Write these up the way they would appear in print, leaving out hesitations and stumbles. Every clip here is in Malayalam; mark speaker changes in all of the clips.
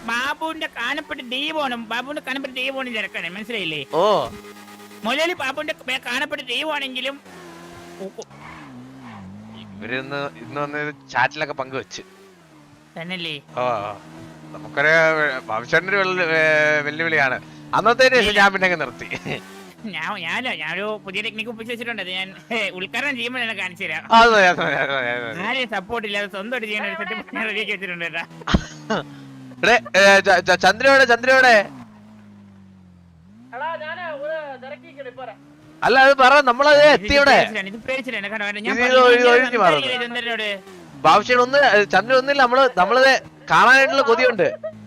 Speaker 1: ബാബുവിന്റെ കാണപ്പെട്ട ദൈവമാണ്. ബാബുവിന്റെ കാണപ്പെട്ട ദൈവമാണ് തിരക്കാണ്, മനസ്സിലായില്ലേ?
Speaker 2: ഓ
Speaker 1: മുലയിൽ ബാബുവിന്റെ കാണപ്പെട്ട ദൈവമാണെങ്കിലും
Speaker 2: ഇവരിന്ന് വന്ന് ചാറ്റിലൊക്കെ പങ്കുവെച്ച്
Speaker 1: തന്നല്ലേ.
Speaker 2: ഓ നമുക്കൊരു ഭവിഷ്യന്റെ വെല്ലുവിളിയാണ്. അന്നത്തെ ശേഷം ഞാൻ പിന്നെ നിർത്തി.
Speaker 1: ഞാനൊരു പുതിയ ടെക്നിക്ക് ഒപ്പിച്ച് വെച്ചിട്ടുണ്ട്. അത് ഞാൻ ഉദ്ഘാടനം ചെയ്യുമ്പോൾ തന്നെ കാണിച്ചു തരാം. ആരെയും സപ്പോർട്ട് ഇല്ലാതെ സ്വന്തമായിട്ട് ചെയ്യാൻ ഒരു സെറ്റ് റെഡിയാക്കി വെച്ചിട്ടുണ്ട് കേട്ടാ.
Speaker 2: ചന്ദ്രയോടെ അല്ല അത് പറ, നമ്മളത് എത്തിയോടെ ഭാവിഷ്യോട് ഒന്ന് ചന്ദ്രൻ ഒന്നില്ല. നമ്മളത് കാണാനായിട്ടുള്ള കൊതിയുണ്ട്.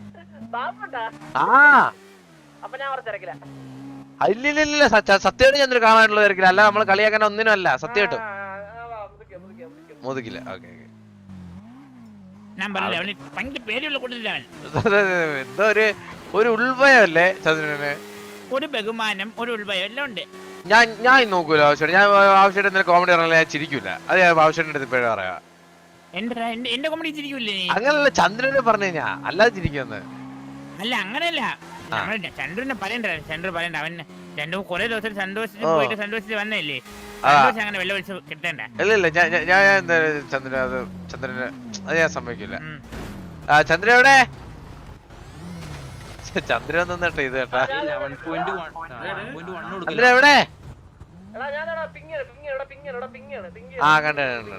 Speaker 2: ഇല്ലില്ല സത്യമായിട്ട് ചന്ദ്രൻ കാണാനുള്ള തിരക്കില്ല. അല്ല നമ്മള് കളിയാക്കാൻ ഒന്നിനും അല്ല, സത്യമായിട്ടും മോദിക്കില്ല. ഓക്കെ എന്തോ ഒരു ഉൾഭയമല്ലേ ചന്ദ്രന്,
Speaker 1: ഒരു ബഹുമാനം, ഒരു ഉൾഭയം എല്ലാം ഉണ്ട്.
Speaker 2: ഞാൻ നോക്കൂല ആവശ്യമായിട്ട്. ഞാൻ ആവശ്യമായിട്ട് എന്തെങ്കിലും കോമഡി പറഞ്ഞാൽ ഞാൻ ചിരിക്കൂല. അത് ഞാൻ ആവശ്യമായിട്ട് അടുത്ത് ഇപ്പോഴും പറയാ.
Speaker 1: എന്റെ കോമഡി ചിരിക്കൂലേ?
Speaker 2: അങ്ങനല്ല ചന്ദ്രനെ പറഞ്ഞു കഴിഞ്ഞാ, അല്ലാതെ ചിരിക്കുമെന്ന്
Speaker 1: അല്ല. അങ്ങനെയല്ല, ചന്ദ്രനെ പറയണ്ട. ചന്ദ്രൻ പറയണ്ട. അവൻ രണ്ടു കുറെ ദിവസം സന്തോഷിച്ച് വന്നല്ലേ. അങ്ങനെ വെള്ളം ഒഴിച്ച് കിട്ടണ്ട.
Speaker 2: ഇല്ല ഞാൻ ചന്ദ്രന് അത് ഞാൻ സമ്മതിക്കില്ല. ചന്ദ്ര എവിടെ? ചന്ദ്രൻ നിന്നിട്ട് ഇത് കേട്ടാ. ചന്ദ്ര എവിടെ? ആ കണ്ട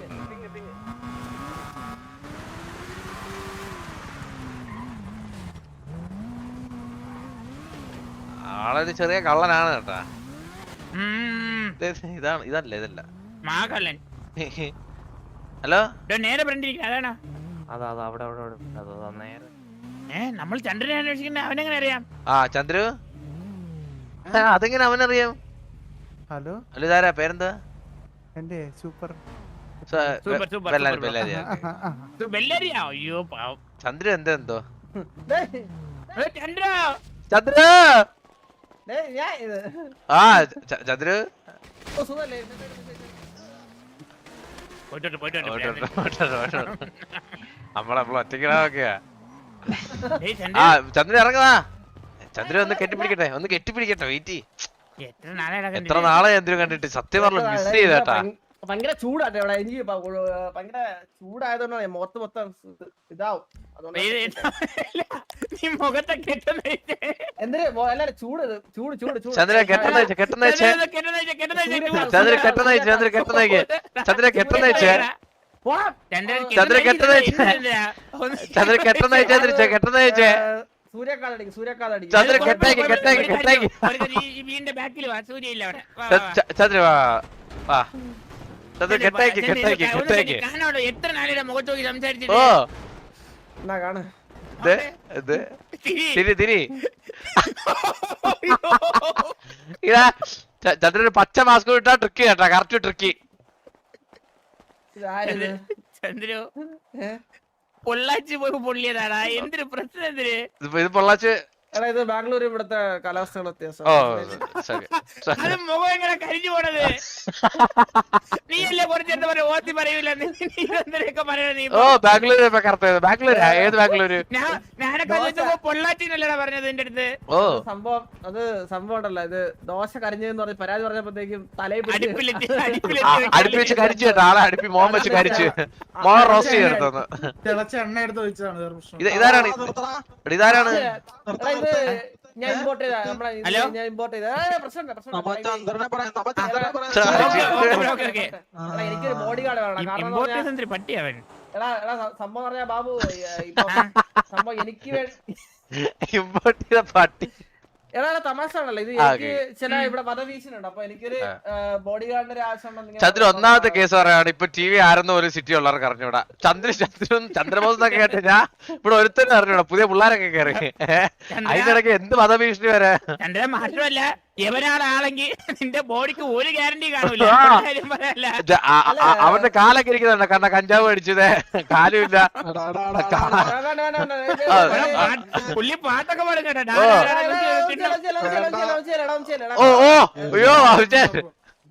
Speaker 2: ആളൊരു ചെറിയ കള്ളനാണ് കേട്ടാ. ഇതല്ല ഹലോ
Speaker 1: നേരെ അതാണോ? നമ്മൾ ചന്ദ്രനെ അന്വേഷിക്കുന്ന അവനെങ്ങനെ അറിയാം?
Speaker 2: ചന്ദ്രു അതെങ്ങനെ അവനറിയാം?
Speaker 3: ഹലോ
Speaker 2: ഹലോ ഇതാരാ? പേരെന്താ?
Speaker 3: എന്റെ സൂപ്പർ
Speaker 2: ചന്ദ്രു എന്തോ
Speaker 1: ചന്ദ്ര
Speaker 2: ചന്ദ്രു ചന്ദ്രു നമ്മളെപ്പോഴും ഒറ്റയ്ക്കിടാതൊക്കെയാ. ചന്ദ്രൻ ഇറങ്ങുതാ. ചന്ദ്രൻ ഒന്ന് കെട്ടിപ്പിടിക്കട്ടെ വെയിറ്റ്. എത്ര നാളെ ചന്ദ്രൻ കണ്ടിട്ട്, സത്യം പറഞ്ഞു മിസ് ചെയ്തേട്ടാ.
Speaker 4: ഭയങ്കര ചൂടാട്ടെ ഇവിടെ. എനിക്ക് ഭയങ്കര ചൂടായതുകൊണ്ടാണ് മൊത്തം ഇതാവും. എന്തിന് അല്ല ചൂട്
Speaker 2: ചന്ദ്ര കെട്ടുന്ന
Speaker 1: എത്ര നാളിലെ മുഖത്ത് നോക്കി സംസാരിച്ചിട്ട്
Speaker 2: ചന്ദ്രന് പച്ച മാസ്ക് ഇട്ടാ ട്രിക്കി കേട്ടാ, കറക്റ്റ് ട്രിക്കി.
Speaker 1: ചന്ദ്രു പൊള്ളാച്ചി പോയി പൊള്ളിയതാടാ. എന്തൊരു പ്രശ്നം? എന്തിന്
Speaker 2: ഇത് പൊള്ളാച്ച്?
Speaker 4: ഇത് ബാംഗ്ലൂർ ഇവിടുത്തെ കാലാവസ്ഥയുടെ വ്യത്യാസം.
Speaker 1: അത് മുഖം എങ്ങനെ കരിഞ്ഞു പോണത്? നീയല്ലേ കുറച്ചെന്താ പറയാ ഓത്തി പറയൂല.
Speaker 2: ഏത് ബാംഗ്ലൂര്?
Speaker 1: ഞാനൊക്കെ പൊള്ളാച്ചിന്നല്ലടാ പറഞ്ഞത് എന്റെ അടുത്ത്.
Speaker 4: സംഭവം ഉണ്ടല്ലോ, ഇത് ദോശ കരിഞ്ഞെന്ന് പറഞ്ഞ് പരാതി പറഞ്ഞപ്പോഴത്തേക്കും തലയിൽ
Speaker 2: അടുപ്പി വെച്ച് കരിച്ചു കേട്ടോ. ആളെ അടുപ്പി മോഹം വെച്ച് കരിച്ചു, മോഹം റോസ്റ്റ് ചെയ്തെടുത്തു.
Speaker 3: തിളച്ച എണ്ണ എടുത്ത് വെച്ചാണ്.
Speaker 2: ഇതാരാണ്?
Speaker 4: ഞാൻ ഇമ്പോർട്ട് ചെയ്ത ഞാൻ ഇമ്പോർട്ട് ചെയ്ത എനിക്കൊരു ബോഡി ഗാർഡ് വേണം. കാരണം സംഭവം പറഞ്ഞ ബാബു സംഭവം എനിക്ക് വേണ്ടി
Speaker 2: ഇമ്പോർട്ട് ചെയ്ത പട്ടി.
Speaker 4: എടാ തമാശ ആണല്ലോ ഇത്. എനിക്ക് ചില ഇവിടെ വധഭീഷണുണ്ട്. അപ്പൊ എനിക്കൊരു ബോഡി ഗാർഡിന്റെ ഒരു ആവശ്യം.
Speaker 2: ചന്ദ്രൻ ഒന്നാമത്തെ കേസ് പറയാണ്. ഇപ്പൊ ടി വി ആരെന്ന് ഒരു സിറ്റി ഉള്ളവർക്ക് അറിഞ്ഞൂടാ. ചന്ദ്രബോസൊക്കെ കേട്ട് ഞാൻ ഇവിടെ ഒരുത്തരും അറിഞ്ഞൂടാ. പുതിയ പിള്ളേരൊക്കെ കയറി അതിനിടയ്ക്ക് എന്ത് വധഭീഷണി വരെ.
Speaker 1: ചന്ദ്രൻ മാത്രമല്ല എവനാളാണെങ്കിൽ നിന്റെ ബോഡിക്ക് ഒരു ഗ്യാരണ്ടി കാണൂല.
Speaker 2: അവന്റെ കാലൊക്കെ ഇരിക്കുന്നുണ്ട്. കാരണം കഞ്ചാവ് അടിച്ചത് കാലുമില്ല.
Speaker 1: പുള്ളി പാട്ടൊക്കെ പറഞ്ഞു.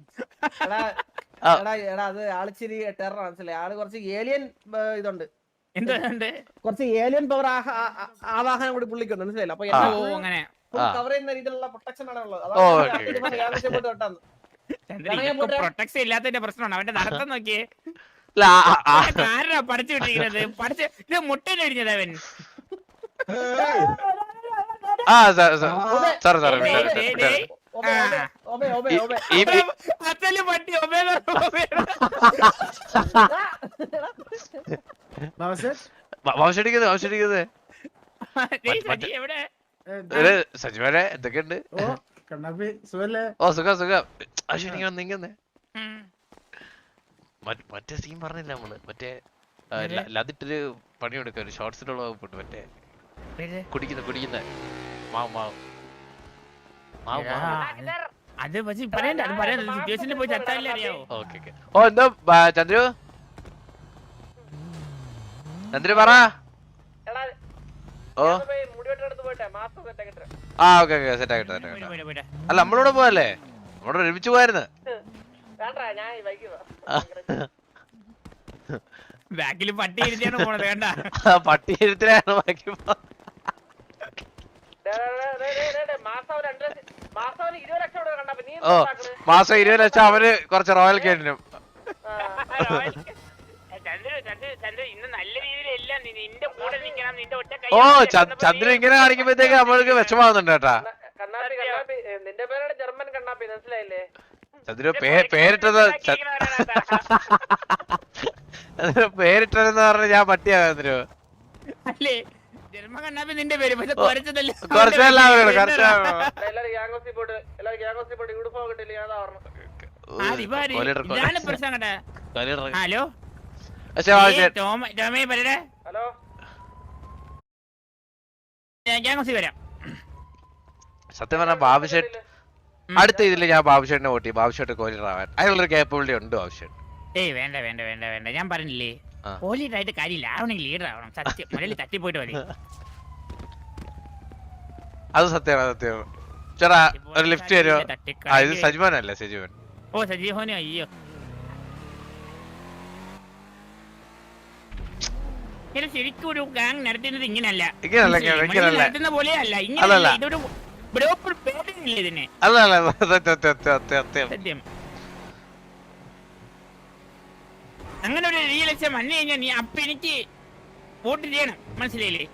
Speaker 4: എടാ അത് ആളിച്ചിരി ടെറർ മനസ്സിലായി. ആള് കുറച്ച് ഏലിയൻ ഇതുണ്ട്.
Speaker 1: എന്തുകൊണ്ട്
Speaker 4: കുറച്ച് ഏലിയൻ പവർ ആവാഹനം കൂടി പുള്ളിക്കുണ്ട്, മനസ്സിലായില്ല? അപ്പൊ
Speaker 1: ഓ അങ്ങനെ
Speaker 4: കവർ ചെയ്യുന്ന രീതിയിലുള്ള പ്രൊട്ടക്ഷൻ ആണ് ഉള്ളത്.
Speaker 2: ഓ,
Speaker 1: പ്രൊട്ടക്ഷൻ ഇല്ലാത്തതിന്റെ പ്രശ്നമാണ് അവന്റെ നടത്തം നോക്കിയേ.
Speaker 2: അല്ല,
Speaker 1: ആരാ പഠിച്ചു വിട്ടിരിക്കുന്നത്? പഠിച്ച് ഇത് മുട്ട കഴിഞ്ഞത് അവൻ.
Speaker 2: സാർ
Speaker 1: അച്ഛനും പട്ടി
Speaker 2: വംശടിക്കുന്നത്
Speaker 1: എവിടെ
Speaker 2: സജിമാനെ എന്തൊക്കെയുണ്ട്?
Speaker 3: കണ്ണാപ്പി സുഖല്ലേ?
Speaker 2: ഓ സുഖം സുഖം. നീങ്ങുന്നേ മറ്റേ സീൻ പറഞ്ഞില്ല നമ്മള്, മറ്റേ ലതിട്ടൊരു പണിയെടുക്ക, ഒരു ഷോർട്സിലുള്ള വകുപ്പുണ്ട്, മറ്റേ കുടിക്കുന്ന മാവ് മാവ് മാവ് മാവ്.
Speaker 1: അത് പക്ഷെ പറയണ്ട, അത് പറയാൻ സിറ്റുവേഷനിൽ പോയി ചത്താലേ അറിയാവോ.
Speaker 2: Okay okay. ഓ എന്തോ ചന്ദ്രു പറ. ഓ ആ ഓക്കെ ഓക്കെ സെറ്റ് ആക്കിട്ടെ. അല്ല നമ്മളിവിടെ പോയല്ലേ, നമ്മളോട് ഒരുമിച്ച് പോയായിരുന്നു.
Speaker 1: ബാക്കില് പട്ടി ഇരുത്തിയാണ് പോണത് വേണ്ട.
Speaker 2: പട്ടി ഇരുത്തിലാണ് ബാക്കി. ഓ മാസം 20 ലക്ഷം അവര് കുറച്ച് റോയൽ കേട്ടിനും.
Speaker 1: ഇന്ന് നല്ല രീതിയിലെല്ലാം നിന്റെ കൂടെ നിൽക്കണം, നിന്റെ ഒറ്റ കൈ.
Speaker 2: ഓ ചന്ദ്രൻ ഇങ്ങനെ കാണിക്കുമ്പോഴത്തേക്ക് നമ്മൾക്ക് വിഷമാവുന്നുണ്ട് കേട്ടാ.
Speaker 4: നിന്റെ പേരാണ് ജർമ്മൻ കണ്ണാപ്പി, മനസ്സിലായില്ലേ?
Speaker 2: ചന്ദ്രു പേരിട്ടതെന്ന് പറഞ്ഞ ഞാൻ പട്ടിയാ ചന്ദ്രു.
Speaker 1: അല്ലേ ജന്മ കണ്ണാപ്പി നിന്റെ പേര്, പക്ഷെ കുറച്ചതല്ലേ പ്രശ്നം കേട്ടാ. ഹലോ ടോമേ പറയടേ.
Speaker 4: ഹലോ
Speaker 1: ഗ്യാങ്സി വരാം.
Speaker 2: സത്യം പറഞ്ഞ ബാബുഷേട്ട് അടുത്ത ഇതില് ഞാൻ ബാബുഷേട്ടിനെ വോട്ട് ചെയ്യും. ബാബുഷേട്ട് കോഹ്ലിയാവാൻ അതിനുള്ളൊരു കേപ്പബിലിറ്റി ഉണ്ട് ബാബുഷേട്ട്.
Speaker 1: ഏയ് വേണ്ട വേണ്ട വേണ്ട വേണ്ട, ഞാൻ പറഞ്ഞില്ലേ കോഹ്ലിയായിട്ട് കാര്യമില്ല, ആവണെങ്കിൽ ലീഡർ ആവണം. സത്യം മുരളി തട്ടിപ്പോയിട്ട് മതി.
Speaker 2: അത് സത്യമാണ് സത്യമാണ്. ചേട്ടാ ഒരു ലിഫ്റ്റ് തരുമോ? ഇത് സജിമോനല്ലേ? സജിമോൻ.
Speaker 1: ഓ സജീവനോ? അയ്യോ ശരിക്കും ഒരു ഗാങ് നടത്തുന്നത് ഇങ്ങനല്ല, നടത്തുന്ന പോലെയല്ല. ഇങ്ങനെ ഇതൊരു പേടില്ല ഇതിന്. സത്യം അങ്ങനെ ഒരു ലക്ഷം വന്നു കഴിഞ്ഞാൽ നീ അപ്പൊ എനിക്ക് വോട്ട് ചെയ്യണം, മനസ്സിലായില്ലേ?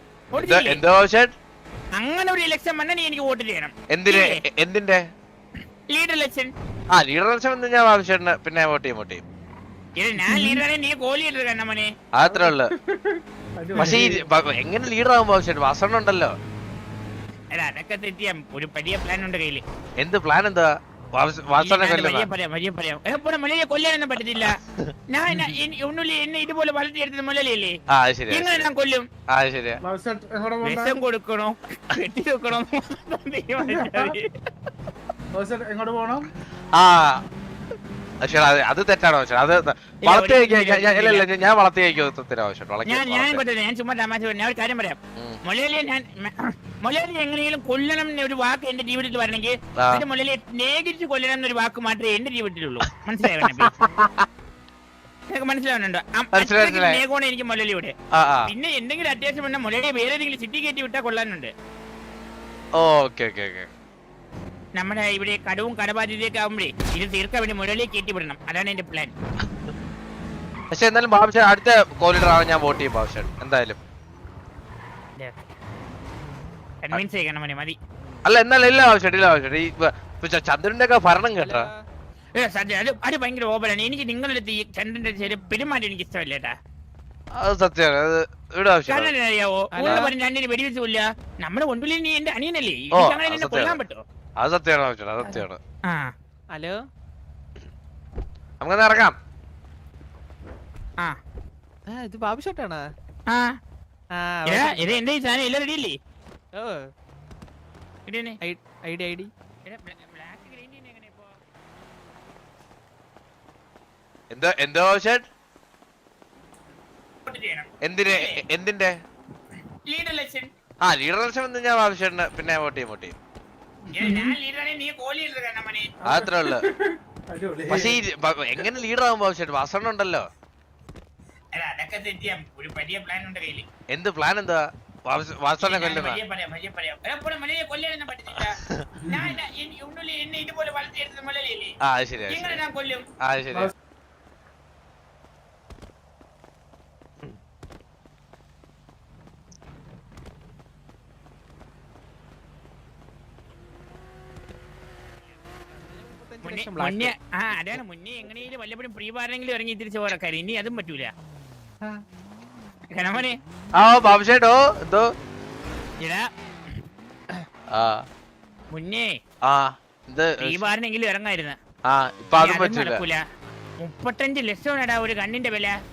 Speaker 1: അങ്ങനെ ഒരു ഇലക്ഷൻ വന്നാൽ നീ എനിക്ക് വോട്ട് ചെയ്യണം.
Speaker 2: എന്തിന്റെ
Speaker 1: ലീഡർ ഇലക്ഷൻ?
Speaker 2: ആ ലീഡർ ഇലക്ഷൻ വന്ന് ഞാൻ ബാബുഷേട്ടിന് പിന്നെ വോട്ട് ചെയ്യും.
Speaker 1: ഞാൻ ലീഡറാണ്, നീ കോഹ്ലി ലീഡർ കണ്ണമനെ.
Speaker 2: അത്രേ ഉള്ളു. പക്ഷെ എങ്ങനെ ലീഡർ ആകുമ്പോ ബാബുഷേട്ട് വാസണ്ണ ഉണ്ടല്ലോ.
Speaker 1: അതൊക്കെ തെറ്റിയാ ഒരു വലിയ പ്ലാൻ ഉണ്ട് കയ്യില്.
Speaker 2: എന്ത് പ്ലാൻ? എന്താ
Speaker 1: കൊല്ലാനൊന്നും പറ്റത്തില്ല. ഒന്നുമില്ല, എന്നെ ഇതുപോലെ വളർത്തിയെടുത്തത് മുലലിയല്ലേ, എങ്ങനെ ഞാൻ കൊല്ലും? വിഷം കൊടുക്കണോ കെട്ടി വെക്കണോ?
Speaker 3: എങ്ങോട്ട് പോണം?
Speaker 2: ആ അത് തെറ്റാണോ? അത് വളർത്തി ഞാൻ വളർത്തി
Speaker 1: ഞാൻ ചുമ്മാ തമാശ പറഞ്ഞു. ഞാൻ ഒരു കാര്യം പറയാം. മൊലയാളി എങ്ങനെയും കൊല്ലണം ഒരു വാക്ക് എന്റെ ജീവിതത്തിൽ വരണമെങ്കിൽ മൊലയാളിയെ സ്നേഹിച്ച് കൊല്ലണം എന്നൊരു വാക്ക് മാത്രമേ എന്റെ ജീവിതത്തിലുള്ളൂ. മനസ്സിലായോ? മനസ്സിലാവുന്നുണ്ടോ? സ്നേഹമാണ് എനിക്ക് മൊലയാളിയുടെ. പിന്നെ എന്തെങ്കിലും അത്യാവശ്യം വന്നാൽ മൊലയാളിയെ വേറെ ഏതെങ്കിലും സിറ്റി കയറ്റി വിട്ടാൽ കൊള്ളാനുണ്ട്. നമ്മുടെ ഇവിടെ കടവും കടബാധ്യതയൊക്കെ ആവുമ്പോഴേ ഇത് തീർക്കാൻ വേണ്ടി മുരളിയെ കയറ്റി വിടണം. അതാണ് എന്റെ പ്ലാൻ.
Speaker 2: പക്ഷെ എന്നാലും ബാബുഷേട്ട് അടുത്ത കോഹ്ലിയുടെ ആവാൻ ഞാൻ വോട്ട് ചെയ്യും. ബാബുഷേട്ട് എന്തായാലും
Speaker 1: കൺവിൻസ് ചെയ്യണം മതി.
Speaker 2: അല്ല എന്നാലും ഇല്ല ബാബുഷേട്ട് ഈ ചന്ദ്രന്റെ ഒക്കെ ഭരണം കേട്ടോ.
Speaker 1: അത് ഭയങ്കര ഓവറാണ്. എനിക്ക് നിങ്ങളുടെ അടുത്ത് ഈ ചന്ദ്രന്റെ പെരുമാറ്റം എനിക്ക് ഇഷ്ടമല്ലേട്ടാ.
Speaker 2: അത് സത്യമാണ്.
Speaker 1: അറിയാവോ രണ്ടിന് വെടിവെച്ച് കൊല്ല. നമ്മുടെ മുൻപിൽ നീ എന്റെ അനിയനല്ലേ, അങ്ങനെ കൊല്ലാൻ പറ്റുമോ?
Speaker 2: അത് സത്യമാണ്. അത് സത്യമാണ്.
Speaker 1: ഹലോ
Speaker 2: നമുക്കൊന്ന് ഇറങ്ങാം.
Speaker 3: ഇത് ബാബുഷേട്ടാണ്.
Speaker 1: ഇത് എന്റെ സാധനം എല്ലാം റെഡിയല്ലേ?
Speaker 2: എന്തോ എന്തിന്റെ
Speaker 1: ലീഡർ ഇലക്ഷൻ?
Speaker 2: ആ ലീഡർ ഇലക്ഷൻ വന്ന് ഞാൻ ബാബുഷേട്ടിന് പിന്നെ വോട്ട് ചെയ്യും. അത്രേ ഉള്ളു. പക്ഷെ എങ്ങനെ ലീഡർ ആകുമ്പോ ബാബുഷേട്ട് വാസണ്ണ ഉണ്ടല്ലോ.
Speaker 1: അല്ല, അതൊക്കെ തെറ്റിയാ ഒരു വലിയ പ്ലാൻ ഉണ്ട് കയ്യില്.
Speaker 2: എന്ത് പ്ലാൻ എന്താ? വാസനെ കൊല്ലുന്ന?
Speaker 1: കൊല്ലാനൊന്നും പറ്റത്തില്ല. ഉള്ളിൽ എന്നെ ഇതുപോലെ വളർത്തിയെടുത്ത മുലയില്ലേ,
Speaker 2: ആ അത് ശരിയാ,
Speaker 1: എങ്ങനെ ഞാൻ കൊല്ലും?
Speaker 2: ആ അത് ശരിയാ.
Speaker 1: മുന്നേ അതാണ് മുന്നേ എങ്ങനെയും വല്ലപ്പോഴും പ്രീ പാരെങ്കിലും ഇറങ്ങി തിരിച്ചു പോരാക്കാര്. ഇനി അതും പറ്റൂല. കനമോനെ
Speaker 2: ആ ബാബുഷേട്ടോ എന്തോ
Speaker 1: ഇടാ
Speaker 2: ആ
Speaker 1: മുന്നേ
Speaker 2: ആ ഇത്
Speaker 1: പ്രീ പാറിനെങ്കിലും ഇറങ്ങായിരുന്നു.
Speaker 2: ആ ഇപ്പൊ അതും പറ്റൂല.
Speaker 1: നടക്കൂല. 35 ലക്ഷമാണെടാ ഒരു കണ്ണിന്റെ വില.